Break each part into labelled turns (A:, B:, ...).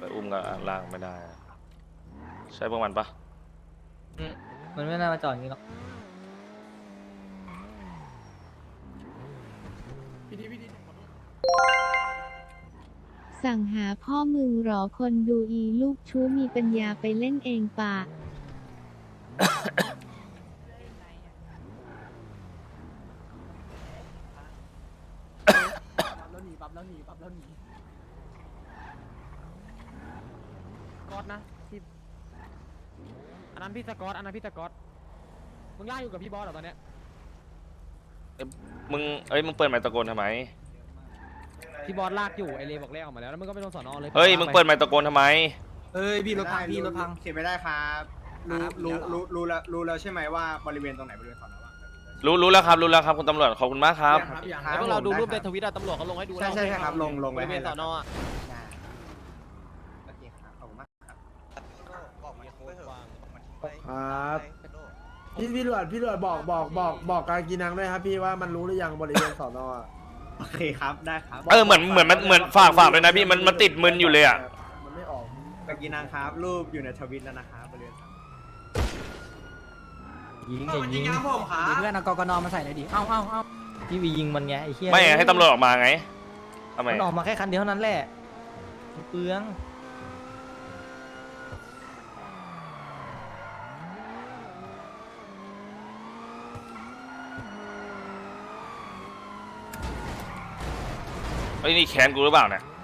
A: ไปอุ้มกับล่างไม่ได้ใช่พวกมันปะ
B: มันไม่น่ามาจอดอย่างนี้หรอก
C: สั่งหาพ่อมึงหรอคนดูอีลูกชู้มีปัญญาไปเล่นเองปะ
D: ก๊อตนะพี่อันนั้นพี่สกอตมึงล่าอยู่กับพี่บอสเหรอตอนเนี้ย
A: มึงมึงเปิดไมค์ตะโกนทำไม
D: พี่บอสลากอยู่ไอเลบอกแรกออกมาแล้วมึงก็ไปโดนสอนอเลย
A: เฮ้ยมึงเปิดไมค์ตะโกนทำไม
E: เอ้ยพี่รถพังพี่รถพัง
F: เขียนไม่ได้ครับรู้แล้วใช่ไหมว่าบริเวณตรงไหนบริเวณสอนอว่าง
A: รู้แล้วครับคุณตำรวจขอบคุณมากครับ
D: แล้วพวกเราดูรูปในทวิตอะตำรวจเขาลงให้ดู
F: ใช่ครับลง
D: บ
F: ไว้
D: ริเว
F: ให้
D: ณสอนออะ
F: โอเคครับขอบคุณมากครับ
E: ครับพี่ตำรวจบอกการกินนังด้วยครับพี่ว่ามันรู้หรือยังบริเวณสอนอ
F: โอเคครับได้ครับ
A: เหมือนฝากเลยนะพี่มันติดมึนอยู่เลยอ่ะ
E: มันไม่ออก
F: กากีนังครับรูปอยู่ในทวิตแล้วนะครับบริเวณสอนอ
B: ยิงอย่ายิง
G: เพื่อนเอากกนมาใส่หน่อยดิเอ้า
B: พี่วียิงมันไงไอ้เหี้ย
A: ไม่ให้ตำรวจออกมาไงทำไม
B: มันออกมาแค่คันเดียวเท่านั้นแหละเปลือง
A: ไอ้ยนี่แค้นกูหรือเปล่าเนี่ย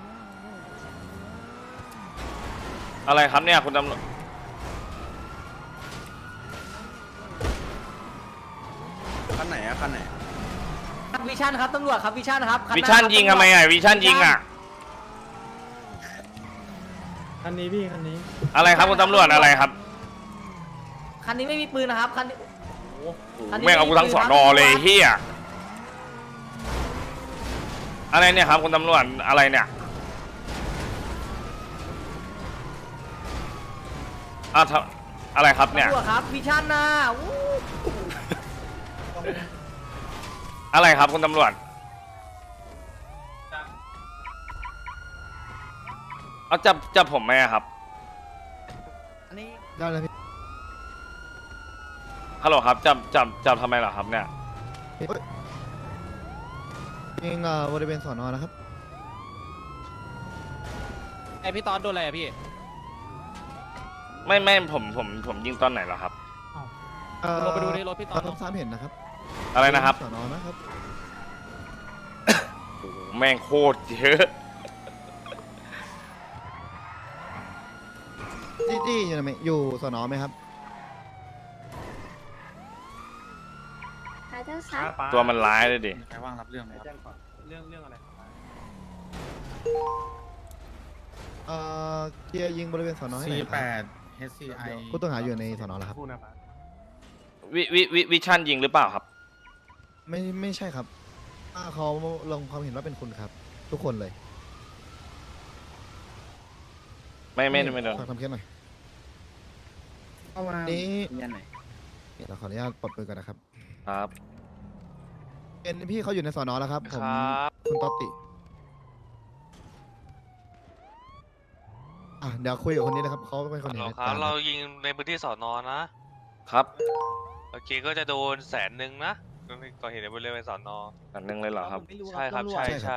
A: อะไรครับเนี่ยคุณตำรวจ
F: คันไหนอะคันไหน
B: วิชั่นครับตำรวจครับวิชั่นครับ
A: วิชั่นยิงทำไมอ่ะวิชั่นยิงอ่ะ
E: คันนี้พี่คันนี้
A: อะไรครับคุณตำรวจอะไรครับ
B: คันนี้ไม่มีปืนนะครับคันนี้คันนี้
A: แม่งเอากูทั้งสอนอเลยเฮียอะไรเนี่ยครับคุณตำรวจอะไรเนี่ยอะไรครับเนี่ย
B: ตำรวจครับวิชั่นนะอู้
A: อะไรครับคุณตำรวจเอาจับผมไหมอะครับ
E: ได้เลยพี่
A: ฮัลโหลครับจับทำไมเหรอครับเนี่ย
E: เองบริเวณสอนอนะครับ
D: ไอพี่ตอนโดนอะไรอะพี่
A: ไม่ผมยิงตอนไหนเหรอครับ
D: ลงไปดูในรถพี่ตอน
E: ทราบเห็นนะครับ
A: อะไรนะครับ
E: สอนอนะครับ
A: โอ้โหแม่งโคตรเยอะ
E: จี้อยู่ไหมอยู่สอนอไหมครับ
C: ขอโทษครับ
A: ตัวมันร้ายเลยดิ
F: ใครว่างรับเรื่องไหมครับ
D: เรื่องอะไร
E: เกียร์ยิงบริเวณสอนอให้หน่อยครับ
F: HCI
E: ผู้ต้องหาอยู่ในสอนอแล้วครับ
A: วิชั่นยิงหรือเปล่าครับ
E: ไม่ใช่ครับเขาลงความเห็นว่าเป็นคุณครับ ทุกคนเลย
A: ไม่โดน
E: ฝากทำเคสหน่อย
F: เอามา
E: นี้
F: ยันไหน
E: เดี๋ยวขออนุญาตปลดปืนก่อนนะครับ
A: ครับ
E: เป็นพี่เขาอยู่ในสอนอแล้วครับ ผมคุณต๊อตติเดี๋ยวคุยกับคนนี้นะครับเขาเป็นคนเห็นเหตุการณ์
H: เรายิงในพื้นที่สอนอนะ
A: ครับ
H: โอเคก็จะโดน100,000นะก่อเหตุในบริเวณสอนอ
A: อันนึงเลยเหรอครับ
H: ใช่ครับใช่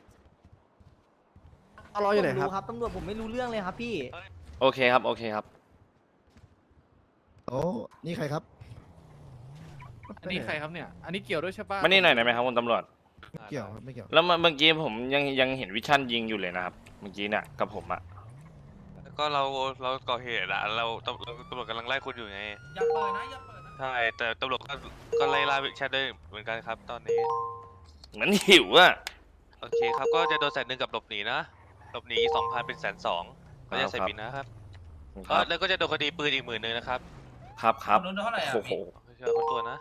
E: รออยู่ไหนครับ
B: ครับตำรวจผมไม่รู้เรื่องเลยครับพี่
A: โอเคครับ
E: โอ้นี่ใครครับ
D: อันนี้ใครครับเนี่ยอันนี้เกี่ยวด้วยใช่ปะ
A: มานี่หน่อยได้ไหมครับคุณตำรวจ
E: เกี่ยวครับไม่เกี่ยว
A: แล้วเมื่อกี้ผมยังเห็นวิชั่นยิงอยู่เลยนะครับ เมื่อกี้เนี่ยกับผมอะ
H: ก็เราก่อเหตุอะเราตำรวจกำลังไล่คุณอยู่ไง
G: อย่าเปิดนะอย่าเปิดนะ
H: ใช่แต่ตำรวจก็ไล่ล่าแชทด้วยเหมือนกันครับ ตอนนี้
A: เหมือนหิวอะ
H: โอเคครับก็จะโดน100,000กับหลบหนีนะหลบหนี2,000เป็น120,000ก็จะใส่บินนะครับแล้วก็จะโดนคดีปืนอีก10,000นะครับ
A: ครับ
G: โดนเท่าไหร่อ่ะ
A: โอ้โห
H: เชื่อคนตัวนะ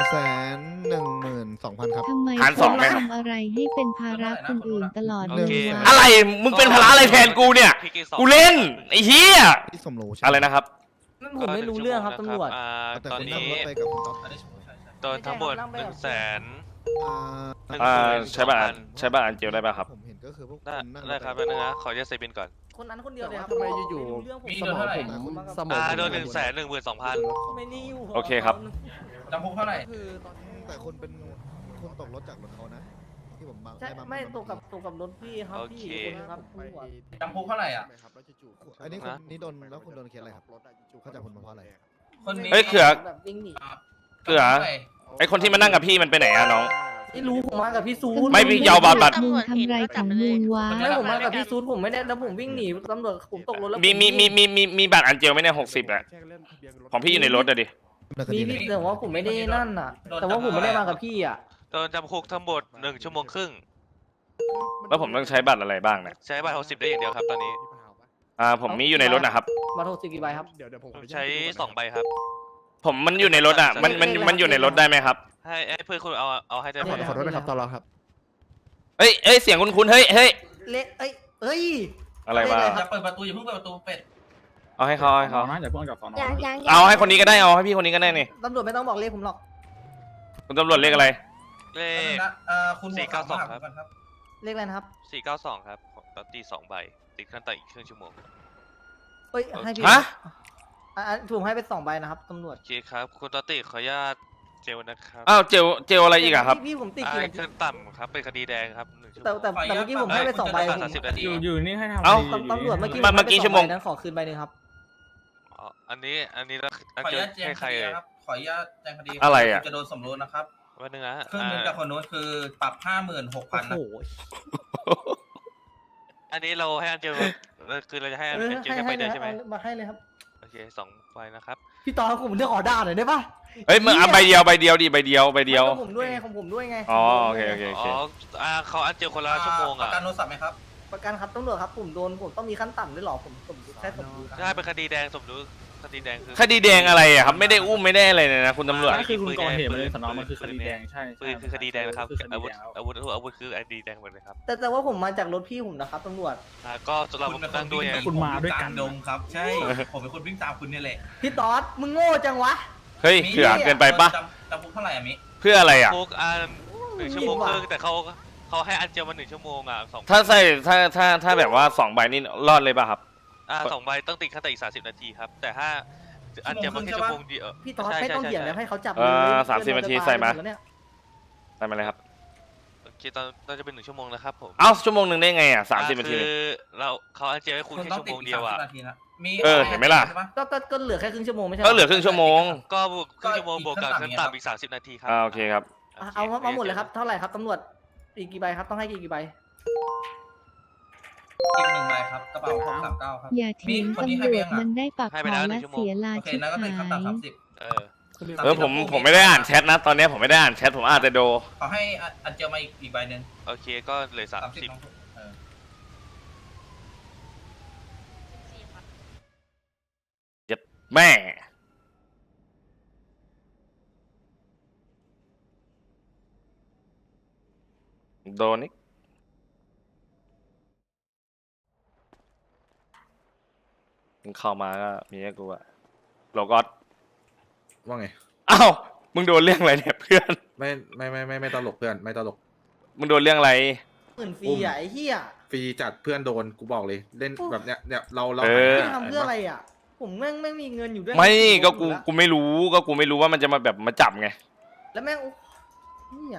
E: 112,000 ครับ
C: ทำไม
A: หาร2ไหมครับ
C: ทำอะไรให้เป็นภาระคนอื่นตลอด
H: โอ
C: เลย
H: เค
C: วะ
A: อะไรมึงเป็นภาระอะไรแทนกูเนี่ย
H: พี่กิ๊
A: กูเล่นไอ้เหี้ย
E: ที่สมรู้ใช่
A: อะไรนะครับ
B: ผมไม่รู้เรื่องครับตำรวจ
E: แต่
H: ตอน
E: คุณนั่ง
H: นี้
E: รถไปกับคุณต๊อต
G: อันนี้ใช่
H: โดนทั้งหมด
B: ไม่ใช่ครับ
H: 100,000
E: อ่า
A: ใช้บัตรอันเจลได้ป่ะครับ
E: ผมเห็น
I: ก็คือพวก
H: ได้
I: คุณนั่ง
H: ได้ครับแป๊บนึงนะขอจะใส่บินก่อน
B: คนนั้นคนเดียวเลยครับ
E: ทำไมอยู่ๆ
B: ไม่รู้เรื่องผม
G: มีโดนเท่าไหร่
E: สมอง
H: โดน112,000
B: ไม่ได้อยู่
A: โอเคครับ
G: จำคุกเท่าไหร่
I: คือตอนแต่คนเป็นคนตกรถจากรถเขานะ ที่ผมมา
B: ใช่
I: ด้า
B: ไม่ตกกับรถพี่ครับ
H: โอ
B: พี่
H: เค
B: คนนึงครับตำรวจ
G: จำคุกเท่าไหร่อ่ะ
E: ครับแล้วจู่ๆ
I: อันนี้คุณนี่โดนแล้วคุณโดนเคสอะไรครับเขาจับคุณมาเพราะอะไร
G: คนนี้
A: เฮ้ยเขือ
B: แบบวิ่งหนี
A: เขือ ไอคนที่มานั่งกับพี่มันไปไหนอะน้อง
B: ไม่รู้ผมมากับพี่ซูด
A: ไม่พี่ยาวบาดบัตร
C: มึงทำไรของมึงวะ
B: ไม่ผมมากับพี่ซูดผมไม่ได้แล้วผมวิ่งหนีตำรวจผมตกรถแล้ว
A: มีบัตรอันเจลไหมเนี่ย60อะของพี่อยู่ในรถอะดิ
B: มีพี่แต่ว่าผมไม่ได้นั่นน่ะ แต่ว่าผมไม่ได้มากับพี่อ่ะ
H: โดนจำคุกทั้งหมด1 ชั่วโมงครึ่ง
A: แล้วผมต้องใช้บัตรอะไรบ้างเนี่ย
H: ใช้บัตร60ได้อย่างเดียวครับตอนนี้
A: ผมมีอยู่ในรถนะครับ
B: มาโทรสิกี่ใบครับ
E: เดี๋ยวผม
H: ผมใช้2 ใบครับ
A: ผมมันอยู่ในรถอะมันอยู่ในรถได้ไหมครับ
H: ให้เพื่อนคุณเอาให้ได้ไหม
E: ขอโทษนะครับตลอดครับ
A: เอ้ยเสียงคุ้นๆเฮ้ย
B: เละเอ้ย
A: อะไรวะ
G: อย่าเปิดประตูอย่าเพิ่งเปิดประตูเป็ด
A: เอาให้เขา
G: นะอย่าเพิ่งกับสอนอ
C: ยัง
A: เอาให้คนนี้ก็ได้เอาให้พี่คนนี้ก็ได้นี่
B: ตำรวจไม่ต้องบอกเลขผมหรอก
A: คุณตำรวจเรียกอะไร
H: เลข
G: คุณ
H: 492ครับ
G: ครับ
B: เลขอะไรนะครับ
H: 492ครับของตอตตี้2 ใบติดขั้นต่ออีกครึ่งชั่วโมง
B: เอ้ยให้พี่
A: ฮะ
B: ผมให้ไป2 ใบนะครับตำรวจ
H: โอเคครับคุณตอตตี้ขออนุญาตเจลนะครับ
A: อ้าวเจลอะไรอีกอะครับ
B: พี่ผมติด
H: อ่า
B: กี่นาที
H: ขั้นต่ำครับเป็นคดีแดงครับ1 ชั่วโม
B: แต่
H: ง
B: เมื่อกี้ผมให้ไป2 ใบ
H: เอ้ย
B: ผม
H: 30 นาที
G: อยู่นี่ให้ทำ
A: เอ้า
B: ตำรวจเมื่อกี้
A: เมื่อกี้ชั่วโมง
B: นั้นขอคืนใบหนึ่งครับ
H: อ๋ออันนี้อันแล้ว
G: ขออนุ
H: เจอ
G: ญาตแจ้ง
H: ให้
G: ค
H: ใคร
G: ดี
H: เอ่ย
G: นะครับ ขออนุญาตแจ้งคดี
A: อะไรอะ
G: จะโดนสมรู้นะครับ
H: วันนึงนะ
G: ครึ่งหนึงจากคนนู้นคือปรับ 56,000 นะ
B: โอ้โห
H: อันนี้เราให้อันเจลคือเราจะให้อันเจลแค่ใบเดียวใช่ไหม
B: มาให้เลยครับ
H: โอเค2 ใบนะครับ
B: พี่ตอนผมเลือกออด้าหน่อยได้ปะ
A: เฮ้ยมึงเอาใบเดียวดิใบเดียว
B: ของผมด้วยไงของผมด้วยไง
A: อ๋อโอเค
H: อ๋อเขาอันเจลคนละชั่วโมง
G: ป
H: อ่ะ
G: ระกันโทรศัพท์ไหมครับ
B: ประกันครับตำรวจครับผมต้องมีขั้นต่ำด้วยเหรอผมแค่สมรู้
H: ใช่เป็นคดีแดงสมรู้คดีแดงคือ
A: คดีแดงอะไรอะครับไม่ได้อุ้มไม่ได้อะไรเลยนะคุณตำรวจ
H: ใช่คือคุณก่อเหตุมาเลย
G: สนมันคือคดีแดงใช่
H: ปืนคือคดีแดงนะครับอาวุธคือคดีแดงหมดเลยครับ
B: แต่ว่าผมมาจากรถพี่ผมนะครับตำรวจ
H: ก็สำหรับนั่งด้วย
G: คุณมาด้วยกันดงครับ ใช่ ผมเป็นคนวิ่งตามคุณเนี่ยแหละ
B: พี่ตอดมึงโง่จังวะ
A: เฮ้ยเถื่อนเกินไปปะ
G: จำคุกเท่าไหร่อะมิ
A: เพื่ออะไรอะ
H: พวก1 ชั่วโมงครึ่งแต่เขาให้อันเจลมา1 ชั่วโมงอ่ะ2
A: ถ้าใส่ถ้าแบบว่า2 ใบนี่รอดเลยป่ะครับ
H: 2 ใบต้องติดขั้นต่ออีก30 นาทีครับแต่ถ้าอันเจลมาแค่ชั่วโมงเดียว
B: พี่ตอดไม่ต้องเถียงแล้วให้เขาจับ
A: 30 นาทีใส่มา
B: แล้วเนี่ย
A: ใส่มาเลยครับ
H: โอเคตอนจะเป็น1 ชั่วโมงนะครับผม
A: เอ้าชั่วโมงหนึ่งได้ไงอะ30 นาที
H: คือเขาอันเจลให้คุณ
G: คุณ
H: แค่
G: ต้อง
H: ชั่ว
G: ติ
H: โม
G: ด
H: ง
G: อี
H: เดียวอ่ะ
G: ก30 นาทีนะมี
A: เห็นไหมล่ะ
G: ใช่ป
B: ก็เหลือแค่ครึ่งชั่วโมงไม่ใช่
A: ก็เหลือครึ่งชั่วโมง
H: ก็ครึ่งชั่วโมงบวกกับขั้นต่ำอีก30 นาทีครับ
A: โอเคครับ
B: เอามาหมดเลยครับเท่าไหร่ครับตำรวจอีกกี่ใบครับต้องให้กี่ใบ
G: อีก1 ใบครับกระเป๋า639ครับ
C: อย่าเถียง
G: มีคนนี้
C: ตำ
G: ให้
C: ร
G: ไป
C: ว
G: ยั
C: จ
G: งอะ
C: มันได้ปัก
H: ให้
C: ค
H: ไป
C: อ
H: แล้ว
C: และ
H: 1 ชั่วโมง
C: เสียลา
G: โอเค
C: ชิบ
G: นั้นก็ติดขั้น
C: หาย
G: ต่ำ30
A: ผมไม่ได้อ่านแชทนะ ตอนนี้ผมไม่ได้อ่านแชทผมอ่านแต่โด
G: ขอให้อันเจลมาอีกใบหนึ่ง
H: โอเคก็เหลย
G: 30
H: 30
G: น้องเออ
A: แม่โดนนี่มึงเข้ามาก็มีให้กูอะโลกอส
J: ว่าไง
A: อ้าวมึงโดนเรื่องอะไรเนี่ยเพื่อน
J: ไม่ตลกเพื่อนไม่ตลก
A: มึงโดนเรื่องอะไร
B: หมื่นฟรีอ่ะไอ้เหี้ย
J: ฟรีจัดเพื่อนโดนกูบอกเลยเล่นแบบเนี้ยเรา
B: พี่ทำเพื่ออะไรอ่ะผมแม่งไม่มีเงินอยู่ด้วย
A: ไม่ก็กูไม่รู้ว่ามันจะมาแบบมาจับไง
B: แล้วแม่งเหี้ย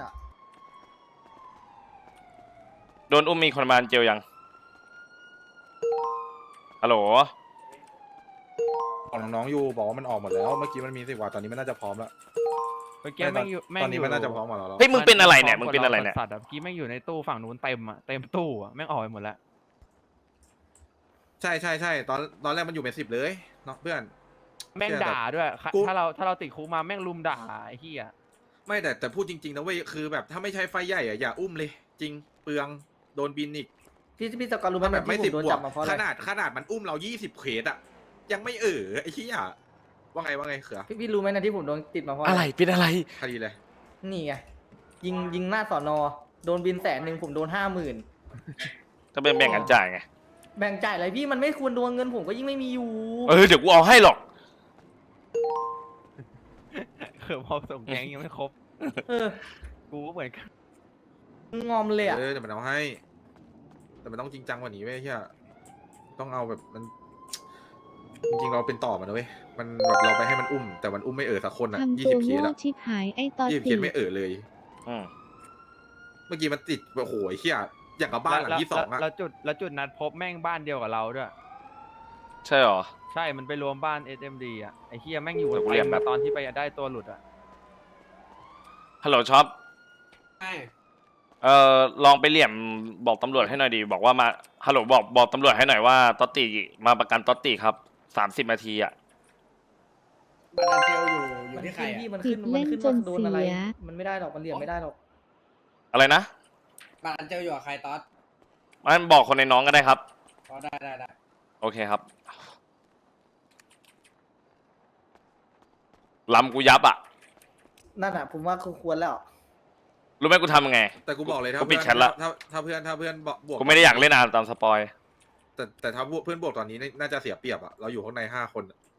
A: โดนอุ้มมีคนมาเจลยังฮัลโหล
J: ของน้องๆอยู่บอกว่ามันออกหมดแล้วเมื่อกี้มันมี10 กว่าตอนนี้มันน่าจะพร้อมแล้ว
G: เมื่อกี้แม่งอยู่
J: ตอนนี้มันน่าจะพร้อมหมดแล้ว
A: เฮ้ยมึงเป็นอะไรเนี่ยมึงเป็นอะไรเนี่ย
G: สัตว์เมื่อกี้แม่งอยู่ในตู้ฝั่งนู้นเต็มอ่ะเต็มตู้อ่ะแม่งออกไปหมดแล้ว
J: ใช่ตอนแรกมันอยู่เป็น10เลยเนาะเพื่อน
G: แม่งด่าด้วย
J: กู
G: ถ้าเราติดคุกมาแม่งลุมด่าไอ้เหี้ย
J: ไม่แต่พูดจริงๆนะเว้ยคือแบบถ้าไม่ใช่ไฟใหญ่อะอย่าอุ้มเลย จริงเปลืองโดนบินอีก
B: พี่ตะกอนรู้ไหม
J: แบบไม่
B: ที่
J: 10
B: ผมโดน
J: บว
B: จั
J: ก
B: บมาเพราะอะไร
J: ขนาดมันอุ้มเรา20 เขตอะยังไม่ไอ้ขี้ยว่าไงเขือ
B: พี่รู้ไหมนะที่ผมโดนติดมาเพราะ
A: อะไรเป็นอะไร
J: คดีเลย
B: นี่ไงยิงหน้าสอนอโดนบิน100,000ผมโดน50,000
A: ก็เป็นแบ่งกันจ่ายไง
B: แบ่งจ่ายอะไรพี่มันไม่ควรโดนเงินผมก็ยิ่งไม่มีอยู่
A: เดี๋ยวกูเอาให้หรอก
G: พอส่งแก๊งยังไม่ครบ
B: เออ
G: กูก็เหมือนกัน
B: งอมเลยอ่ะ
J: เดี๋ยวมันเอาให้แต่มันต้องจริงจังกว่านี้เว้ยเฮียต้องเอาแบบมัน จริงๆเราเป็นต่อมันนะเว้ยมันแบบเราไปให้มันอุ้ม แต่มันอุ้มไม่สักคนอ่ะ
C: ทำ
J: ยี่
C: ตั
J: สิ
C: ว
J: บเคส
C: โง่
J: อ่ะ
C: ชิบหายไอ้ตอ
J: 20เค
C: ติ
J: สไม่เลย
A: อืม
J: เมื่อกี้มันติดโอ้โหไอ้เฮียอย่างกับบ้านหลังที่ 2อ่ะ
G: แล้วจุดนัดพบแม่งบ้านเดียวกับเราด้วย
A: ใช่หรอ
G: ใช่มันไปรวมบ้าน SMD อ่ะไอ้เฮียแม่งอยู่
A: เดี๋ยวกู
G: เต็
A: เรีย
G: ม
A: นแบบ
G: ตอนที่ไปได้ตัวหลุดอ่ะ
A: ฮัลโหลช็อป
F: ใช่
A: ลองไปเหลี่ยมบอกตำรวจให้หน่อยดีบอกว่ามาฮัลโหลบอกตำรวจให้หน่อยว่าตอตติมาประกันตอตติครับ30 นาทีอ่ะ
F: บัตรเจลอยู่
B: มัน
F: ที่ใคร
B: ขึ้น
F: อะ
B: พี่มัน
C: ติ
B: ขึ้
C: ด
B: น
C: เล่น
B: ขึ้น
C: จ
B: ว่าน โดนอะไร
C: เสีย
B: มันไม่ได้หรอกมันเหลี่ยมไม่ได้หรอก
A: อะไรนะ
F: บัตรเจลอยู่กับใครตอส
A: มันบอกคนในน้องก็ได้ครับ
F: อ๋อได้
A: โอเคครับลำกูยับอ่ะ
B: นั่นอ่ะผมว่าควรแล้ว
A: รู้ไหมกูทำยังไง
J: แต่กูบอกเลย
A: กูปิดแชทละ
J: ถ้าเพื่อนบวก
A: กูไม่ได้อยากเล่นอ่านตามสปอย
J: แต่ถ้าเพื่อนบวกตอนนี้น่าจะเสียเปรียบอ่ะเราอยู่ข้างใน5 คนอะ